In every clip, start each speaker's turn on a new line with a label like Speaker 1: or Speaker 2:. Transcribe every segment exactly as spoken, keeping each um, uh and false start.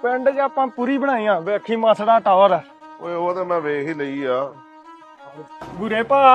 Speaker 1: ਪਿੰਡ 'ਚ ਆਪਾਂ ਪੂਰੀ ਬਣਾਈ ਆ ਵੇਖੀ ਮਾਸੜਾ ਟਾਵਰ।
Speaker 2: ਓਏ ਉਹ ਤਾਂ ਮੈਂ ਵੇਖ ਹੀ ਲਈ ਆ।
Speaker 1: ਗੁਰੇ ਭਾ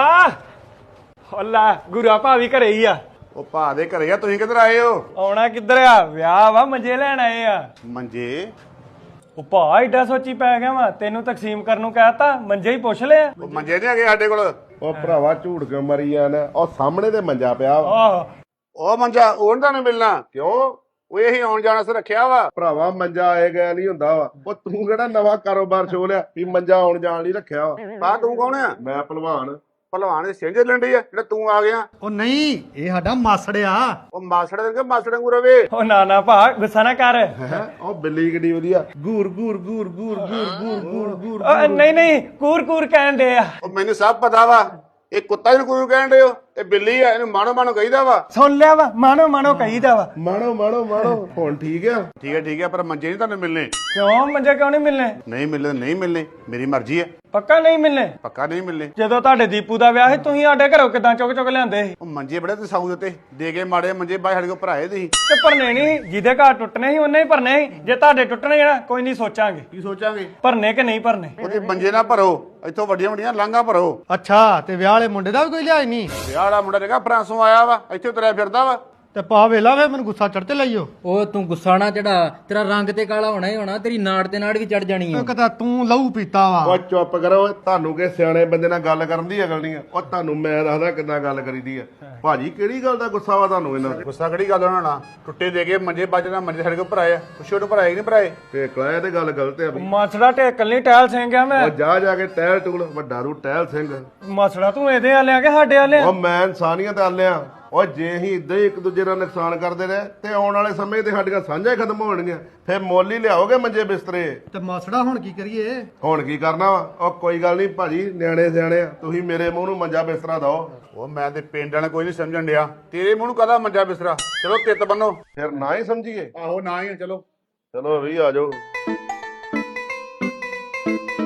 Speaker 1: ਹੱਲਾ ਗੁਰਾ ਭਾ ਵੀ ਘਰੇ ਹੀ ਆ।
Speaker 2: ਉਹ ਭਾ ਦੇ ਘਰੇ ਆ, ਤੁਸੀਂ ਕਿੱਧਰ ਆਏ ਹੋ?
Speaker 1: ਆਉਣਾ ਕਿੱਧਰ ਆ, ਵਿਆਹ ਵਾ ਮੰਜੇ ਲੈਣ ਆਏ ਆ।
Speaker 2: ਮੰਜੇ?
Speaker 1: ਉਹ ਭਾ ਏਡਾ ਸੋਚੀ ਪੈ ਗਿਆ ਵਾ, ਤੈਨੂੰ ਤਕਸੀਮ ਕਰਨ ਨੂੰ ਕਹਿਤਾ, ਮੰਜੇ ਹੀ ਪੁੱਛ ਲਿਆ।
Speaker 2: ਉਹ ਮੰਜੇ ਨਹੀਂ ਹੈਗੇ ਸਾਡੇ ਕੋਲ। ਉਹ ਭਰਾਵਾ ਝੂਠ ਕਿਉਂ ਮਰੀ ਜਾਣਾ, ਉਹ ਸਾਹਮਣੇ ਤੇ ਮੰਜਾ ਪਿਆ ਵਾ।
Speaker 1: ਆਹ
Speaker 2: ਉਹ ਮੰਜਾ ਉਹਨਾਂ ਨੂੰ ਮਿਲਣਾ ਕਿਉਂ? ਉਹ ਇਹੀ ਆਉਣ ਜਾਣ ਸੇ ਰੱਖਿਆ ਵਾ। ਭਰਾਵਾ ਮੰਜਾ ਆਏ ਗਿਆ ਨਹੀਂ ਹੁੰਦਾ ਵਾ। ਉਹ ਤੂੰ ਕਿਹੜਾ ਨਵਾਂ ਕਾਰੋਬਾਰ ਛੋ ਲਿਆ ਵੀ ਮੰਜਾ ਆਉਣ ਜਾਣ ਲਈ ਰੱਖਿਆ ਵਾ? ਭਾ ਤੂੰ ਕੌਣ ਆ? ਮੈਂ ਭਲਵਾਨ। ਭਲਵਾਨ ਦੇ ਸਿੰਝ ਲੰਡੀ ਆ ਜਿਹੜਾ ਤੂੰ ਆ ਗਿਆ?
Speaker 3: ਉਹ ਨਹੀਂ, ਇਹ ਸਾਡਾ ਮਾਸੜ ਆ।
Speaker 2: ਉਹ ਮਾਸੜ ਦੇ ਕੇ ਮਾਸੜ ਵਾਂਗੂ ਰਵੇ।
Speaker 1: ਉਹ ਨਾ ਨਾ ਭਾ ਗੁੱਸਾ ਨਾ ਕਰ।
Speaker 2: ਹੈ ਉਹ ਬਿੱਲੀ ਕਿੱਡੀ ਵਧੀਆ, ਗੂਰ ਗੂਰ ਗੂਰ ਗੂਰ ਗੂਰ ਗੂਰ ਗੂਰ ਗੂਰ।
Speaker 1: ਉਹ ਨਹੀਂ ਨਹੀਂ ਕੂਰ ਕੂਰ ਕਹਿਣ ਦੇ ਆ।
Speaker 2: ਉਹ ਮੈਨੂੰ ਸਭ ਪਤਾ ਵਾ, ਇਹ ਕੁੱਤਾ ਜਿਹਨੂੰ ਕੋਈ ਕਹਿਣ ਦੇ ਹੋ, ਇਹ ਬਿੱਲੀ ਆ, ਇਹਨੂੰ ਮਾਣੋ ਮਾਣੋ ਕਹੀਦਾ ਵਾ।
Speaker 1: ਸੁਣ ਲਿਆ ਵਾ, ਮਾਣੋ ਮਾਣੋ ਕਹੀਦਾ ਵਾ।
Speaker 2: ਮਾਣੋ ਮਾਣੋ ਮਾਣੋ ਹੁਣ ਠੀਕ ਆ? ਠੀਕ ਹੈ ਠੀਕ ਹੈ, ਪਰ ਮੰਜੇ ਨਹੀਂ ਤੁਹਾਨੂੰ ਮਿਲਨੇ।
Speaker 1: ਕਿਉਂ ਮੰਜੇ ਕਿਉਂ ਨਹੀਂ ਮਿਲਨੇ?
Speaker 2: ਨਹੀਂ ਮਿਲਨੇ ਨਹੀਂ ਮਿਲਨੇ, ਮੇਰੀ ਮਰਜ਼ੀ ਹੈ।
Speaker 1: ਪੱਕਾ ਨਹੀਂ ਮਿਲਨੇ?
Speaker 2: ਪੱਕਾ ਨਹੀਂ ਮਿਲਨੇ।
Speaker 1: ਜਦੋਂ ਤੁਹਾਡੇ ਦੀਪੂ ਦਾ ਵਿਆਹ ਸੀ ਤੁਸੀਂ ਸਾਡੇ ਘਰੋਂ ਕਿਦਾਂ ਚੁੱਕ ਚੁੱਕ ਲਿਆਂਦੇ ਸੀ?
Speaker 2: ਉਹ ਮੰਜੇ ਬੜੇ ਤੇ ਸਾਊ ਦਿੱਤੇ ਦੇ ਕੇ, ਮਾੜੇ ਮੰਜੇ ਬਾਈ ਸਾਡੇ ਕੋਲ ਭਰਾਏ ਤੁਸੀਂ।
Speaker 1: ਤੇ ਭਰਨੇ ਨਹੀਂ, ਜਿਹਦੇ ਘਰ ਟੁੱਟਨੇ ਸੀ ਉਹਨੇ ਹੀ ਭਰਨੇ ਸੀ। ਜੇ ਤੁਹਾਡੇ ਟੁੱਟਣੇ ਨਾ ਕੋਈ ਨਹੀਂ ਸੋਚਾਂਗੇ।
Speaker 2: ਕੀ ਸੋਚਾਂਗੇ?
Speaker 1: ਭਰਨੇ ਕਿ ਨਹੀਂ ਭਰਨੇ?
Speaker 2: ਉਹਦੇ ਮੰਜੇ ਨਾ ਭਰੋ, ਇੱਥੋਂ ਵੱਡੀਆਂ ਵੱਡੀਆਂ ਲਾਂਘਾਂ ਭਰੋ।
Speaker 3: ਅੱਛਾ, ਤੇ ਵਿਆਹ ਵਾਲੇ ਮੁੰਡੇ ਦਾ ਵੀ ਕੋਈ ਲਿਹਾਜ਼ ਨਹੀਂ?
Speaker 2: ਵਿਆਹ ਵਾਲਾ ਮੁੰਡਾ ਜਿਹੜਾ ਫਰਾਂਸੋਂ ਆਇਆ ਵਾ, ਇੱਥੇ ਤੁਰਿਆ ਫਿਰਦਾ ਵਾ।
Speaker 3: ਤੇ ਪਾ ਵੇਲਾ ਵੇ ਮੈਨੂੰ ਗੁੱਸਾ ਚੜ੍ਹ ਤੇ ਲਈਓ।
Speaker 4: ਉਹ ਤੂੰ ਗੁੱਸਾ ਨਾ ਚੜਾ, ਤੇਰਾ ਰੰਗ ਤੇ ਕਾਲਾ ਹੋਣਾ ਹੀ ਹੋਣਾ, ਤੇਰੀ ਨਾੜ ਤੇ ਨਾੜ ਵੀ ਚੜ ਜਾਣੀ ਆ।
Speaker 3: ਇੱਕ ਤਾਂ ਤੂੰ ਲਹੂ ਪੀਤਾ ਵਾ।
Speaker 2: ਉਹ ਚੁੱਪ ਕਰੋ, ਤੁਹਾਨੂੰ ਕਿ ਸਿਆਣੇ ਬੰਦੇ ਨਾਲ ਗੱਲ ਕਰਨ ਦੀ ਅਕਲ ਨਹੀਂ ਆ। ਉਹ ਤੁਹਾਨੂੰ ਮੈਂ ਦੱਸਦਾ ਕਿੱਦਾਂ ਗੱਲ ਕਰੀਦੀ ਆ। ਭਾਜੀ ਕਿਹੜੀ ਗੱਲ ਦਾ ਗੁੱਸਾ ਵਾ ਤੁਹਾਨੂੰ? ਇਹਨਾਂ ਗੁੱਸਾ ਕਿਹੜੀ ਗੱਲ ਉਹਨਾਂ ਨਾਲ? ਟੁੱਟੇ ਦੇ ਕੇ ਮੰਜੇ ਬਾਜਣਾ, ਮੰਜੇ ਸਾਡੇ ਕੋਲ ਭਰਾਏ ਆ, ਕੁਛ ਨੂੰ ਭਰਾਏ ਕਿ ਨਹੀਂ ਭਰਾਏ? ਤੇ ਕਲਾਇਆ ਤੇ ਗੱਲ ਗਲਤ ਆ ਬਈ।
Speaker 1: ਮਾਸੜਾ ਢੇਕਲ ਨਹੀਂ ਟਹਿਲ ਸਿੰਘ ਆ ਮੈਂ।
Speaker 2: ਉਹ ਜਾ ਜਾ ਕੇ ਟਹਿਲ ਟੁਗਲ, ਵੱਡਾ ਰੂ ਟਹਿਲ ਸਿੰਘ।
Speaker 1: ਮਾਸੜਾ ਤੂੰ ਇਹਦੇ ਆ ਲਿਆ ਕਿ ਸਾਡੇ ਆ ਲਿਆ?
Speaker 2: ਉਹ ਮੈਂ ਇਨਸਾਨੀਅਤ ਆਲਿਆ। ਉਹ ਜੇ ਅਸੀਂ ਇਦਾਂ ਹੀ ਇੱਕ ਦੂਜੇ ਦਾ ਨੁਕਸਾਨ ਕਰਦੇ ਰਹੇ ਤੇ ਆਉਣ ਵਾਲੇ ਸਮੇਂ ਤੇ ਸਾਡੀਆਂ ਸਾਂਝਾਂ ਖਤਮ ਹੋਣਗੀਆਂ। ਫਿਰ ਮੁੱਲ ਹੀ ਲਿਆਓਗੇ ਮੰਜੇ ਬਿਸਤਰੇ।
Speaker 3: ਤੇ ਮਾਸੜਾ ਹੁਣ ਕੀ ਕਰੀਏ?
Speaker 2: ਹੁਣ ਕੀ ਕਰਨਾ ਵਾ? ਉਹ ਕੋਈ ਗੱਲ ਨਹੀਂ ਭਾਜੀ, ਨਿਆਣੇ ਸਿਆਣੇ ਆ, ਤੁਸੀਂ ਮੇਰੇ ਮੂੰਹ ਨੂੰ ਮੰਜਾ ਬਿਸਤਰਾ ਦਿਓ। ਉਹ ਮੈਂ ਤੇ ਪਿੰਡ ਵਾਲਾ ਕੋਈ ਨਹੀਂ ਸਮਝਣ ਡਿਆ, ਤੇਰੇ ਮੂੰਹ ਨੂੰ ਕਾਹਦਾ ਮੰਜਾ ਬਿਸਤਰਾ? ਚਲੋ ਤਿੱਤ ਬੰਨੋ। ਫਿਰ ਨਾ ਹੀ ਸਮਝੀਏ? ਆਹੋ ਨਾ ਹੀ। ਚਲੋ ਚਲੋ ਵੀ ਆ ਜਾਓ।